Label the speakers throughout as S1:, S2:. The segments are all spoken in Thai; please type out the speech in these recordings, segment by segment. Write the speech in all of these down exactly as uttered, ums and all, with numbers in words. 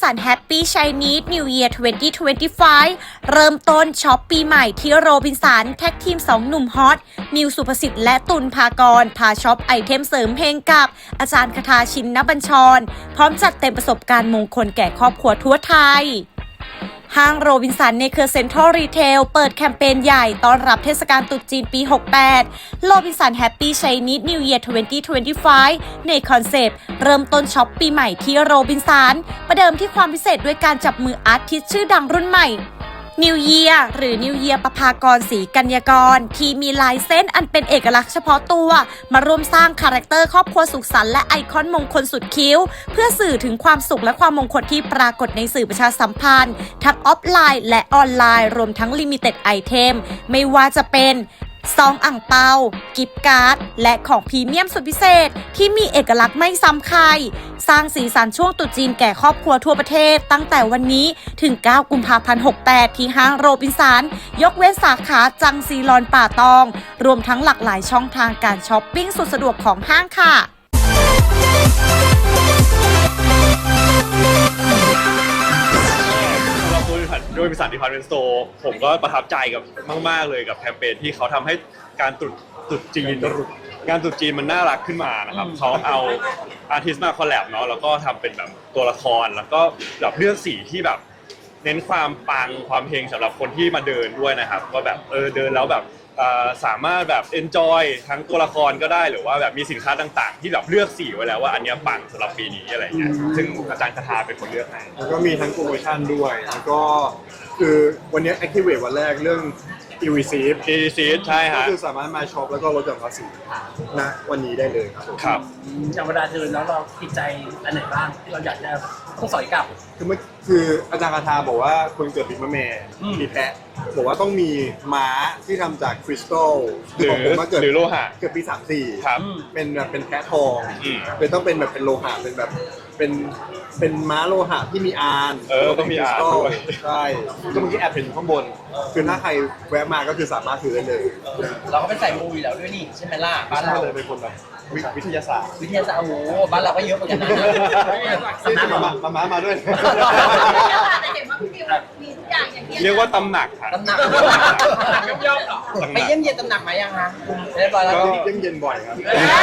S1: สัน Happy Chinese New Year สองพันยี่สิบห้า เริ่มต้นช็อปปีใหม่ที่โรบินสันแท็กทีมสองหนุ่มฮอตมิวสุภสิทธิ์และตุลภากรพาช็อปไอเทมเสริมเพลงกับอาจารย์คทาชินบัญชรพร้อมจัดเต็มประสบการณ์มงคลแก่ครอบครัวทั่วไทยห้างโรบินสันในเครือเซ็นทรัลรีเทลเปิดแคมเปญใหญ่ต้อนรับเทศกาลตรุษจีนปี หกแปด โรบินสัน Happy Chinese New Year สองพันยี่สิบห้า ในคอนเซปต์เริ่มต้นช็อปปีใหม่ที่โรบินสันประเดิมที่ความพิเศษด้วยการจับมืออาร์ติสต์ชื่อดังรุ่นใหม่นิวเยียร์หรือนิวเยียร์ประภากรศรีกัญญากรที่มีลายเส้นอันเป็นเอกลักษณ์เฉพาะตัวมาร่วมสร้างคาแรคเตอร์ครอบครัวสุขสันต์และไอคอนมงคลสุดคิ้วเพื่อสื่อถึงความสุขและความมงคลที่ปรากฏในสื่อประชาสัมพันธ์ทั้งออฟไลน์และออนไลน์รวมทั้งลิมิเต็ดไอเทมไม่ว่าจะเป็นซองอ่างเปากิฟต์การ์ดและของพรีเมียมสุดพิเศษที่มีเอกลักษณ์ไม่ซ้ำใครสร้างสีสันช่วงตรุษจีนแก่ครอบครัวทั่วประเทศตั้งแต่วันนี้ถึงเก้ากุมภาพันธ์หกแปดที่ห้างโรบินสันยกเว้นสาขาจังซีรอนป่าตองรวมทั้งหลากหลายช่องทางการช้อปปิ้งสุดสะดวกของห้างค่ะ
S2: โดยบริษัทดิพาร์ตเมนต์สโตร์ผมก็ประทับใจกับมากๆเลยกับแคมเปญที่เขาทำให้การตรุษตรุษจีนงานตรุษจีนมันน่ารักขึ้นมานะครับเขาเอาอาร์ติสต์มาคอลแลบเนาะแล้วก็ทำเป็นแบบตัวละครแล้วก็แบบเลือกสีที่แบบเน้นความปังความเฮงสำหรับคนที่มาเดินด้วยนะครับก็แบบเออเดินแล้วแบบสามารถแบบ enjoy ทั้งตัวละครก็ได้หรือว่าแบบมีสินค้าต่างๆที่แบบเลือกสีไว้แล้วว่าอันนี้ปังสำหรับปีนี้อะไรเงี้ยซึ่งอาจารย์คทาเป็นคนเลือกให้
S3: แล้วก็มีทั้งโปรโมชั่นด้วยแล้วก็คือวันนี้ activate วันแรกเรื่อง e-receipt
S2: e-receipt ใช่ฮะ
S3: ก็คือสามารถมาช็อปแล้วก็ลดหย่อนภาษีณวันนี้ได้เลยครับ
S2: ครับ
S4: อย่างเวลาเดินแล้วเราติดใจอันไหนบ้างที่เราอยากจะต้องสอยกลับ
S3: คือเมื่อคืออาจารย์คาทาบอกว่าคนเกิดปีมะแม่ปีแพะบอกว่าต้องมีม้าที่ทำจากคริสตัล
S2: หรือหรือโลหะ
S3: เกิดปีสามสี่
S2: ครับ
S3: เป็นแบบเป็นแพะทองเป็นต้องเป็นแบบเป็นโลหะเป็นแบบเป็นเป็นม้าโลหะที่มีอาน
S2: เออต้องมีอานด้วย
S3: ใช่ก็เมื่อกี้แอบเห็นข้างบนคือถ้าใครแวะมาก็คือสามารถซื้อได้เลย
S4: เราก็เป็นใส่มูอยู่แล้วด้วยนี่ใช่ไหมล่ะบ้านเรา
S3: เลยเป็นคนแบบวิทยาศาสตร์
S4: วิทยาศาสตร์โอ้โหบ้านเราก็เยอะเหมือนกันนะ
S3: มามามาด้วย
S5: แต่เห็นว่าพี่มิวมีทุกอย่างอย่างที่
S2: เรียกว่าตำหนักค่ะ
S4: ตำหนักย่อมๆหรอไปเยี่ยมเยียนตำหนักไหมยังฮะเรียบร้อยแล้ว
S3: ก็เยี่ยมเยียนบ่อยครับ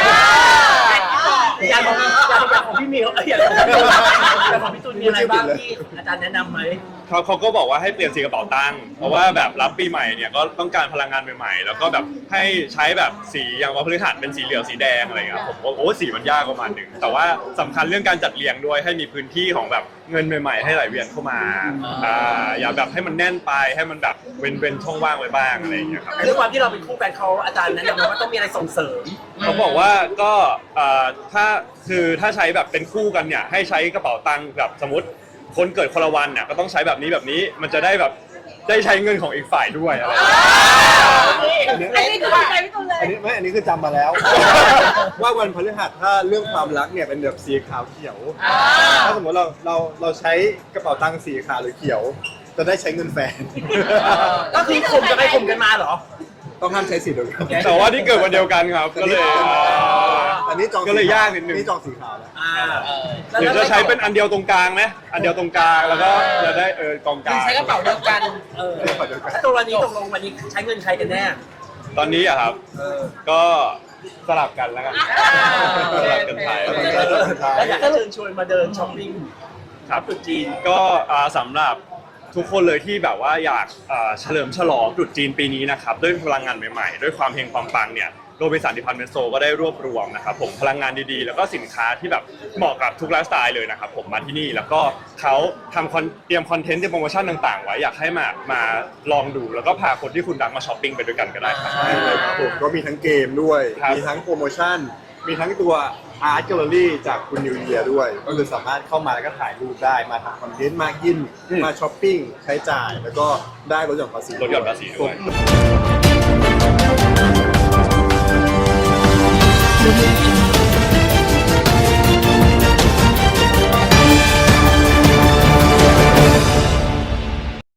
S4: อย่างของของพี่มิวอย่างของพี่ตูนมีอะไรบ้างที่อาจารย์แนะนำไหม
S2: เขาเขาก็บอกว่าให้เปลี่ยนสีกระเป๋าตังค์เพราะว่าแบบรับปีใหม่เนี่ยก็ต้องการพลังงานใหม่ๆแล้วก็แบบให้ใช้แบบสีอย่างว่าพฤหัสเป็นสีเหลืองสีแดงอะไรเงี้ยผมว่าโอ้สีมันยากประมาณหนึ่งแต่ว่าสำคัญเรื่องการจัดเรียงด้วยให้มีพื้นที่ของแบบเงินใหม่ๆให้ไหลเวียนเข้ามาอ่าอย่าแบบให้มันแน่นไปให้มันแบบเว้นเว้นช่องว่างไว้บ้างอะไรอย่างเงี้ยครับ
S4: ด้วยความที่เราเป็นคู่แฟนเขาอาจารย์แนะนำว่าต้องมีอะไรส่งเสริม
S2: เขาบอกว่าก็ถ้าคือถ้าใช้แบบเป็นคู่กันเนี่ยให้ใช้กระเป๋าตังค์แบบสมมติคนเกิดคนละวันเนี่ยก็ต้องใช้แบบนี้แบบนี้มันจะได้แบบได้ใช้เงินของอีกฝ่ายด้วยอะไร
S5: อันนี้คือใจพี่ตูนเลย
S3: อันนี้ไม่อันนี้คือจำมาแล้วว่าวันพฤหัสถ้าเรื่องความรักเนี่ยเป็นแบบสีขาวเขียวถ้าสมมติเราเราเราใช้กระเป๋าตังค์สีขาวหรือเขียวจะได้ใช้เงินแฟน
S4: ก็คือข่มจะไปข่มกันมาเหรอ
S3: ต้องห้ามใช้สีเดียวกัน
S2: แต่ว่าที่เกิดวันเดียวกันครับก็เลย
S3: อันนี้จอง
S2: ก็เลยยากนิดนึง
S3: นี่จองสีขาวแล้ว
S2: หรือจะใช้เป็นอันเดียวตรงกลางไหมอันเดียวตรงกลางแล้วก็จะได้เออกองกลาง
S4: ใช้กระเป๋าเดียวกันเออถ้าตัววันนี้ตกลงวันนี้ใช้เงินใครกันแน่
S2: ตอนนี้อะครับก็สลับกันแล้วกันสลับกันไป
S4: แล้วอยากจะเชิญชวนมาเดินช้อปปิ้ง
S2: ครับตรุษจีนก็สำหรับทุกคนเลยที่แบบว่าอยากเฉลิมฉลองตรุษจีนปีนี้นะครับด้วยพลังงานใหม่ๆด้วยความเฮงความปังเนี่ยโรบินสันดิพาร์ตเมนต์สโตร์ก็ได้รวบรวมนะครับผมพลังงานดีๆแล้วก็สินค้าที่แบบเหมาะกับทุกไลฟ์สไตล์เลยนะครับผมมาที่นี่แล้วก็เขาทำเตรียมคอนเทนต์เตรียมโปรโมชั่นต่างๆไว้อยากให้มามาลองดูแล้วก็พาคนที่คุณรักมาช้อปปิ้งไปด้วยกันก็ได้ครับ
S3: ผมก็มีทั้งเกมด้วยมีทั้งโปรโมชั่นมีทั้งตัวอาร์ตแกลเลอรี่จากคุณนิวเยียร์ด้วยก็คือสามารถเข้ามาแล้วก็ถ่ายรูปได้มาทำคอนเทนต์มากินมาช้อปปิ้งใช้จ่ายแล้วก็ได้ลดหย่อนภาษี
S2: ลดหย่อนภาษีด้วย
S1: Thank you.